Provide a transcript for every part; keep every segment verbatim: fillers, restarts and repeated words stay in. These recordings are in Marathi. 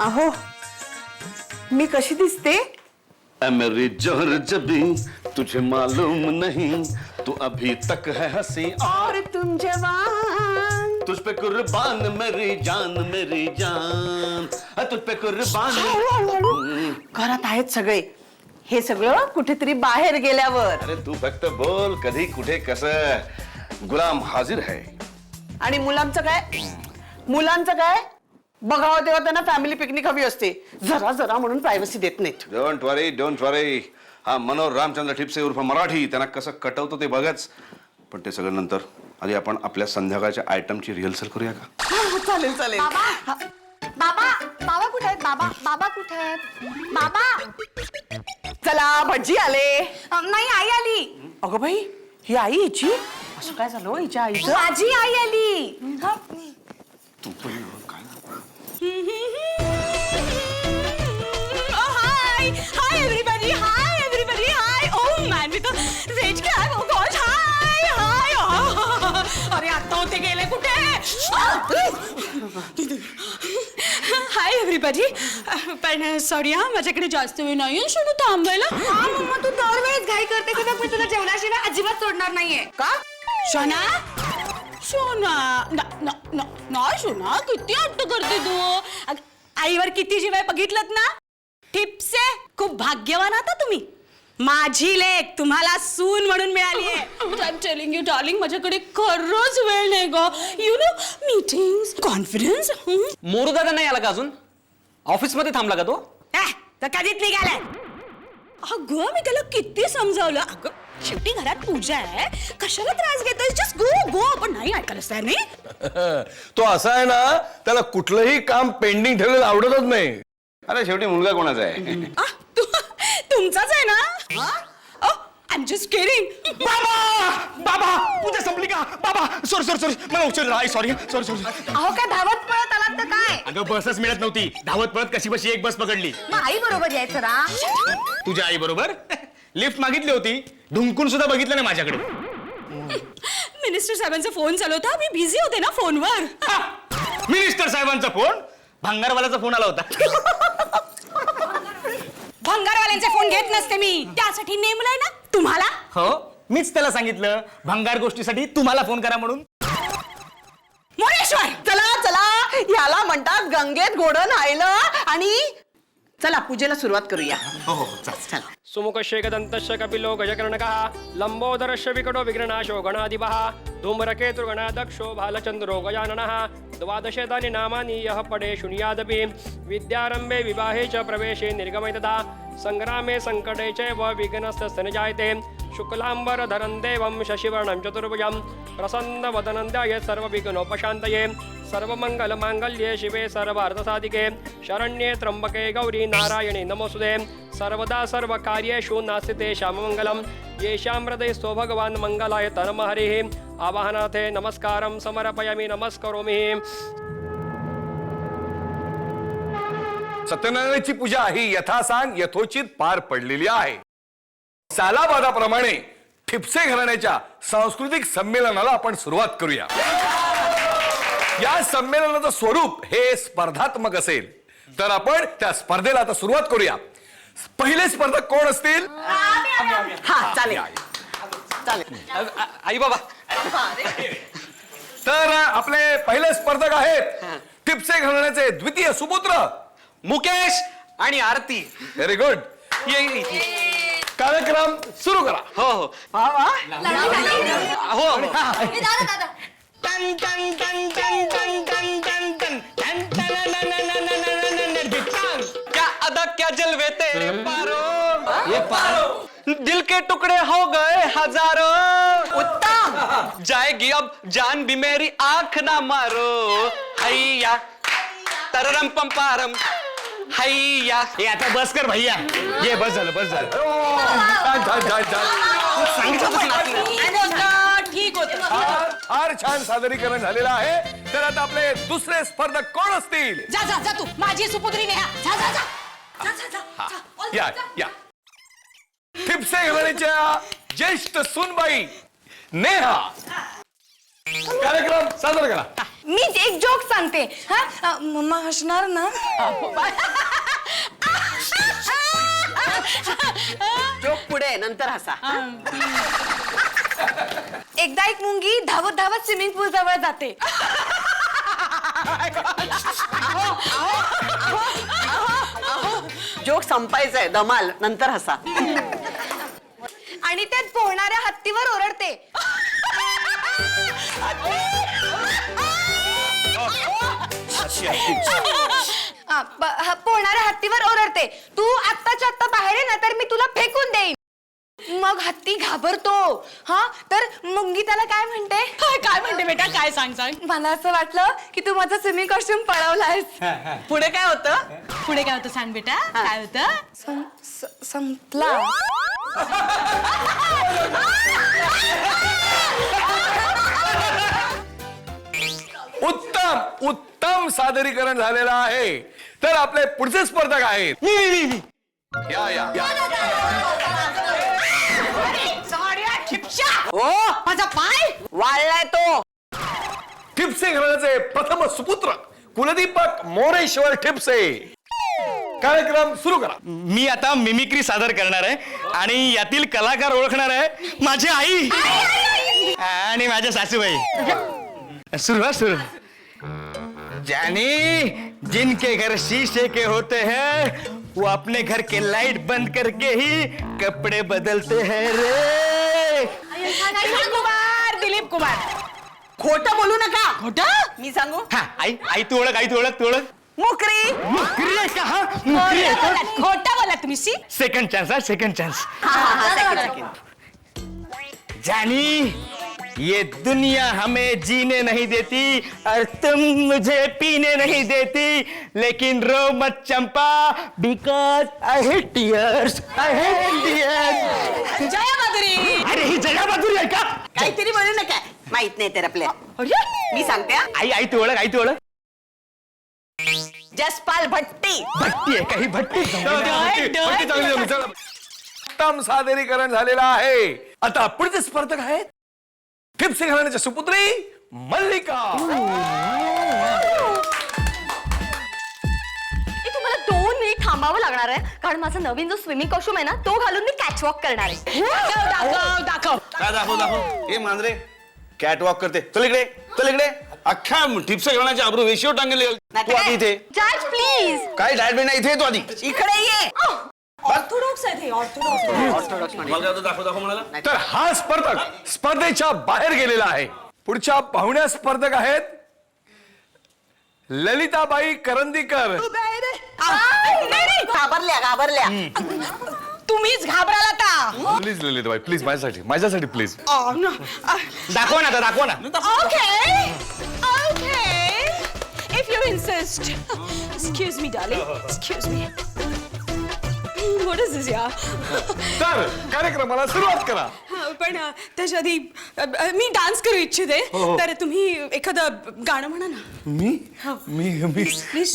अहो मी कशी दिसते? ऐ मेरी जोहर जबी तुझे मालूम नहीं तू अभी तक है हंसी और तुम जवान तुझ पे कुर्बान मेरी जान मेरी जान ऐ तुझ पे कुर्बान। घरात आहेत सगळे, हे सगळं कुठेतरी बाहेर गेल्यावर. अरे तू फक्त बोल कधी कुठे कसं, गुलाम हाजिर है. आणि मुलांचं काय? मुलांचं काय? बघावं तेव्हा त्यांना फॅमिली पिकनिक हवी असते, जरा जरा म्हणून प्रायव्हसी देत नाहीत. Don't worry don't worry. हा मनोहर रामचंद्र ठिपसे उर्फ मराठी त्यांना कसं कटवतो ते बघच, पण ते सगळं नंतर. आधी आपण आपल्या संध्याकाळच्या आयटमची रिहर्सल करूया का? चालेल चालेल. बाबा बाबा बाबा कुठे आहेत? बाबा बाबा कुठे आहेत? बाबा चला भटजी आले. अं, नाही आई आली. अगं बाई, ही आई हिची? असं काय झालं हिच्या आईचं? माझी आई आली. तू पण काय hi hi everybody hi everybody hi. Oh man with rage cap. Oh god hi hi. अरे आता होते गेले कुठे? हाय एव्हरीबॉडी. पण सॉरी हा, माझ्याकडे जास्त वेळ नाही शोनू थांबायला. मम्मा तू दरवेळेस घाई करते की मी तुला जेवणाशिवाय अजिबात सोडणार नाहीये का? शोना शोना ना ना ना ना शोना, किती हट्ट करते तू. अग, आईवर किती जीवाय बघितलत ना. ठिपसे खूप भाग्यवान आता तुम्ही. माझी लेक तुम्हाला सून म्हणून मिळाली आहे. I am telling you darling, माझ्याकडे खरंच वेळ नाही ग. You know meetings conference. Moru दादा नाही आला का अजून? ऑफिस मध्ये थांबला का तो? तर कधीच निघालाय. अगं मी त्याला किती समजावलं. अगं शेवटी घरात पूजा आहे, कशाला त्रास घेतोय? Just go go. पण नाही ऐकायलाच तयार नाही. तो असा आहे ना, त्याला कुठलंही काम पेंडिंग ठेवलेलं आवडतच नाही. अरे शेवटी मुलगा कोणाचा आहे? आ, तु- तुमचाच आहे ना? I am just kidding. बाबा बाबा पूजा संपली का? बाबा सॉरी सॉरी सॉरी मला उशीर झाला. Sorry sorry sorry. अहो काय धावत पळत आलात तर काय? अगं बसच मिळत नव्हती, धावत पळत कशी बशी एक बस पकडली. मग आई बरोबर यायचं रा. तुझ्या आई बरोबर लिफ्ट मागितली होती, ढुंकून सुद्धा बघितलं नाही माझ्याकडे. मिनिस्टर साहेबांचा फोन चालू होता, मी बिझी होते ना फोनवर. मिनिस्टर साहेबांचा फोन? भंगारवाल्याचा फोन आला होता. भंगारवाल्यांचे फोन घेत नसते मी, त्यासाठी नेमलंय ना तुम्हाला. हो मीच त्याला सांगितलं भंगार गोष्टीसाठी तुम्हाला फोन करा म्हणून. मोरेश्वर चला चला, याला म्हणतात गंगेत घोडं न्हायलं. आणि चला पूजेला सुरुवात करूया. हो हो चल. सुमुखशेखदन्तश्च कपिलो गजकर्णकः लम्बोदरस्य विकटो विघ्ननाशो गणाधिपः धूम्रकेतुर्गणाध्यक्षो भालचन्द्रो गजाननः द्वादशेतानि नामानि यः पठे शृणुयादपि विद्यारम्भे विवाहे च प्रवेशे निर्गमे तथा सङ्ग्रामे सङ्कटे चैव विघ्नस्तस्य न जायते शुक्लाम्बरधरं देवं शशिवर्णं चतुर्भुजं प्रसन्नवदनं ध्याये सर्वविघ्नोपशान्तये सर्वमङ्गलमाङ्गल्ये शिवे सर्वार्थसाधिके शरण्ये त्र्यम्बके गौरी नारायणे नमोस्तुते सर्वदा सर्वकार्येषु नास्ति तेषां मङ्गलं येषां हृदयस्थो भगवान् मङ्गलाय तन्मः हरिः आवाहनाथे नमस्कारं समर्पयामि नमस्करोमि. सत्यनारायणाची पूजा ही यथासांग यथोचित पार पडलेली आहे. सालाबादाप्रमाणे ठिपसे घराण्याच्या सांस्कृतिक संमेलनाला आपण सुरुवात करूया. या संमेलनाचं स्वरूप हे स्पर्धात्मक असेल, तर आपण त्या स्पर्धेला आता सुरुवात करूया. पहिले स्पर्धक कोण असतील? हा चालेल चालेल. आई बाबा. तर आपले पहिले स्पर्धक आहेत ठिपसे घराण्याचे द्वितीय सुपुत्र मुकेश आणि आरती. Very good. कार्यक्रम सुरू करा. हो हो हो. क्या अदा क्या जलवे तेरे पारो, ये पारो दिल के टुकड़े हो गए हजारों. उत्तम. जाएगी अब जान भी मेरी आंख ना मारो. हैया तररम पंपारम हैया. हे आता बस कर भैया. ये बस झालं बस झालं. छान छान छान छान. सांगितलं ठीक होत. फार छान सादरीकरण झालेलं आहे. तर आता आपले दुसरे स्पर्धक कोण असतील? जा जा जा तू माझी सुपुत्री नेहा. जा जा जा जा जा जा जा. या या ठिपसे घराण्याच्या ज्येष्ठ सूनबाई नेहा. कार्यक्रम सादर करा. मी एक जोक सांगते हा अ, मम्मा हसणार ना. जोक पुढे नंतर हसा. एकदा एक मुंगी धावत धावत स्विमिंग पूल जवळ जाते. जोक संपायचंय धमाल नंतर हसा. आणि त्यात पोहणाऱ्या हत्तीवर ओरडते. हा, ब- हा, पोहणाऱ्या हत्तीवर ओरडते, तू आत्ताच्या आत्ता बाहेर ये ना तर मी तुला फेकून देईन. मग हत्ती घाबरतो. हा तर मुंगी त्याला काय म्हणते. काय म्हणते बेटा काय सांग सांग. मला असं वाटलं की तू माझा स्विमिंग कॉस्ट्युम पळवलायस. पुढे काय होतं. पुढे काय होतं सांग बेटा काय होतं. सं- स- संपला. उत्तम उत्तम सादरीकरण झालेलं आहे. तर आपले पुढचे स्पर्धक आहेत. या या या. हो माझा पाय वाळलाय तो. ठिपसे घराण्याचे प्रथम सुपुत्र कुलदीपक मोरेश्वर ठिपसे. कार्यक्रम सुरू करा. मी आता मिमिक्री सादर करणार आहे आणि यातील कलाकार ओळखणार आहे माझी आई आणि माझ्या सासूबाई. सुरू सुरू. जानी जिनके घर शीशे के होते हैं वो अपने घर के लाइट बंद करके ही कपड़े बदलते हैं रे. दिलीप कुमार दिलीप कुमार. खोटं बोलू नका. खोटं मी सांगू. हा आई आई तू ओळख आई तू ओळख तू ओळख. मुकरी. मुकरी आहे का हा मुकरी आहे का. खोटं बोला तुम्ही सी. सेकंड चांस हा सेकंड चांस. हा हा सेकंड सेकंड. जानी ये दुनिया हमें जीने नहीं देती और तुम मुझे पीने नहीं देती लेकिन रो मत Champa because I hate tears I hate tears. Jaya Madhuri. अरे ही जया माधुरी आहे का. काहीतरी बोलू नका. माहित नाही तर आपल्या. मी सांगते हा. आई आई तू ओळख आई तू ओळख. जसपाल भट्टी. भट्टी आहे काही भट्टी. भट्टी- भट्टी चांगली जमली. चला. उत्तम सादरीकरण झालेलं आहे. आता पुढचे स्पर्धक आहेत ठिपसे घराण्याच्या सुपुत्री मल्लिका. तुम्हाला दोन मिनिट थांबावं लागणार आहे कारण माझा नवीन जो स्विमिंग कॉस्ट्युम आहे ना तो घालून मी कॅचवॉक करणार आहे. दाखव दाखव. काय दाखव दाखव. हे मांजरे कॅटवॉक करते. चल इकडे चल इकडे. अख्ख्या ठिपसे घालण्याचे आबरू वेशीवर टांगले. तू आधी इथे. जज प्लीज. काय डायट नाही इथे तू आधी. इकडे ये. ऑर्थोडॉक्स आहे ऑर्थोडॉक्स. दाखव दाखव म्हणाला. तर हा स्पर्धक स्पर्धेच्या बाहेर गेलेला आहे. पुढच्या पाहुण्या स्पर्धक आहेत ललिताबाई करंदीकर. घाबरल्या घाबरल्या. तुम्हीच घाबराल आता. प्लीज ललिताबाई प्लीज माझ्यासाठी माझ्यासाठी प्लीज. दाखव ना आता दाखव ना. Okay. Okay. If you insist. Excuse me, darling. Excuse me. What is this, yeah? तर कार्यक्रमाला सुरुवात करा. पण अ, त्याच्या आधी अ, अ, मी डान्स करू इच्छिते तर तुम्ही एखादं गाणं म्हणा ना. मी मी मी प्लीज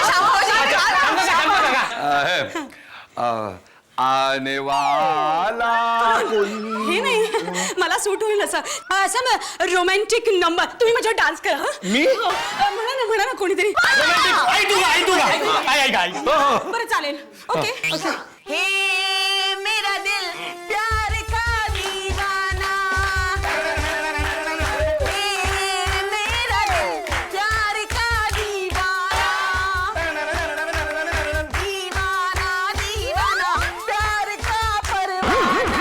आहे. अ, आने वाला कोई. हे नाही मला सूट होईल असं असं रोमॅन्टिक नंबर तुम्ही माझ्यावर डान्स करा हं? मी? हो. अ, म्हणा ना म्हणा ना कोणीतरी आई तू आई तू आई आई आई. बरं चालेल ओके ओके. हे मेरा दिल प्यार का दीवाना. हे मेरा दिल प्यार का दीवाना. दीवाना दीवाना प्यार का परवाना.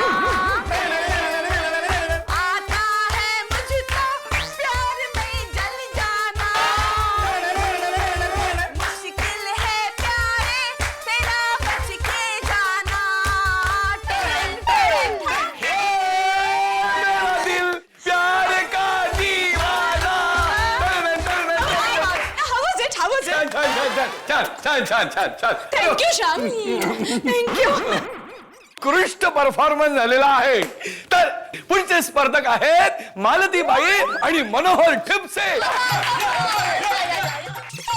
आता है मुझको प्यार में जल जाना. मुश्किल है प्यारे तेरा बच के जाना. टेन टेन मेरा दिल प्यार का दीवाना. How was it? How was छान it? छान छान छान छान छान छान छान. Thank you, Sham. Thank you. उत्कृष्ट परफॉर्मन्स झालेला आहे. तर पुढचे स्पर्धक आहेत मालतीबाई आणि मनोहर ठिपसे.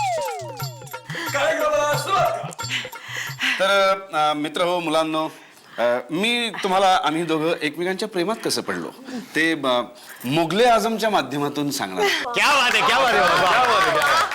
कार्यक्रमाला सुरुवात करा. तर अ, मित्र हो मुलांनो अ, मी तुम्हाला आम्ही दोघं एकमेकांच्या प्रेमात कसं पडलो ते अ, मुघले आझमच्या माध्यमातून सांगणार. क्या बात आहे क्या बात आहे बाबा. क्या बात आहे, क्या बात आहे.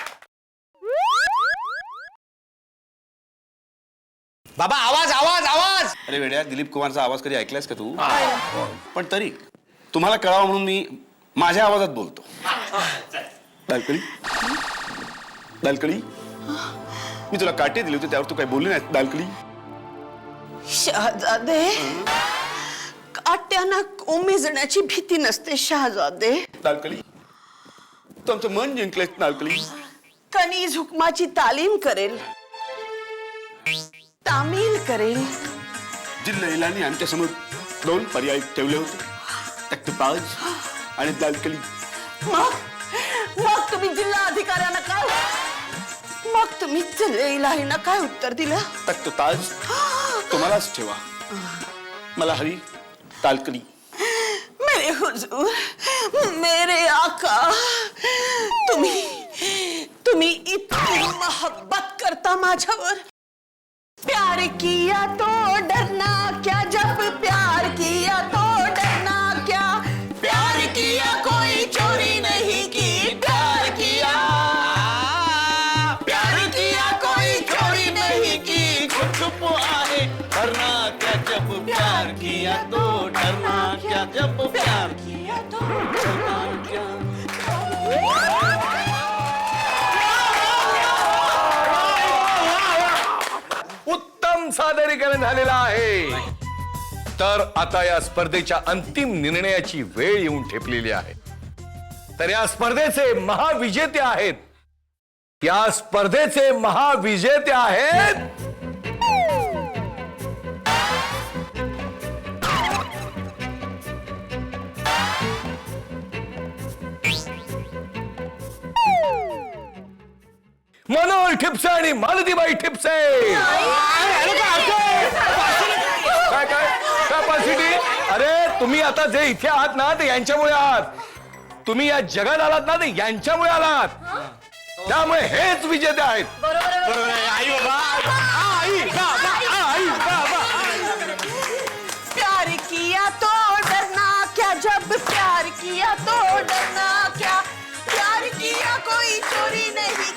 बाबा आवाज आवाज आवाज. अरे वेड्या, दिलीप कुमारचा आवाज कधी ऐकलायस का तू? पण तरी तुम्हाला कळावं म्हणून मी माझ्या आवाजात बोलतो. दालकडी दालकडी मी तुला काटे दिले होते त्यावर तू काय बोलली नाही. दालकडी शहजादे, काट्याना कोमेजण्याची भीती नसते शहजादे. दालकडी तू आमचं मन जिंकलंय. दालकडी कणी हुकमाची तालीम करेल, तामील करेल. जिल्हा आमच्या समोर दोन पर्याय ठेवले होते, तख्तपाज आणि दालकडी. मग मग तुम्ही जिल्हा अधिकाऱ्यांना काय मग तुम्ही जिल्हा काय उत्तर दिलं? तख्तताज तुम्हालाच ठेवा, मला हवी दालकडी. मेरे हुजूर, मेरे आका, तुम्ही तुम्ही इतकी मोहब्बत करता माझ्यावर. प्यार किया तो डरना क्या, जब प्यार किया तो डरना क्या. प्यार किया कोई चोरी नहीं की, प्यार किया प्यार किया कोई चोरी नहीं की. चुप चुप आहे डरना क्या, जब प्यार किया तो डरना क्या, जब प्यार किया तो डरना क्या. उत्तम सादरीकरण झालेलं आहे. तर आता या स्पर्धेच्या अंतिम निर्णयाची वेळ येऊन ठेपलेली आहे. तर या स्पर्धेचे महाविजेते आहेत या स्पर्धेचे महाविजेते आहेत मनोहर ठिपसे आणि मालतीबाई ठिपसे. काय काय कॅपॅसिटी? अरे तुम्ही आता जे इथे आहात ना ते यांच्यामुळे आहात. तुम्ही या जगात आलात ना ते यांच्यामुळे आलात. त्यामुळे हेच विजेते आहेत. बरोबर आहे आई बाबा. आई बाबा आई बाबा. प्यार किया तो डरना क्या, जब प्यार किया तो डरना क्या. प्यार किया कोई चोरी नहीं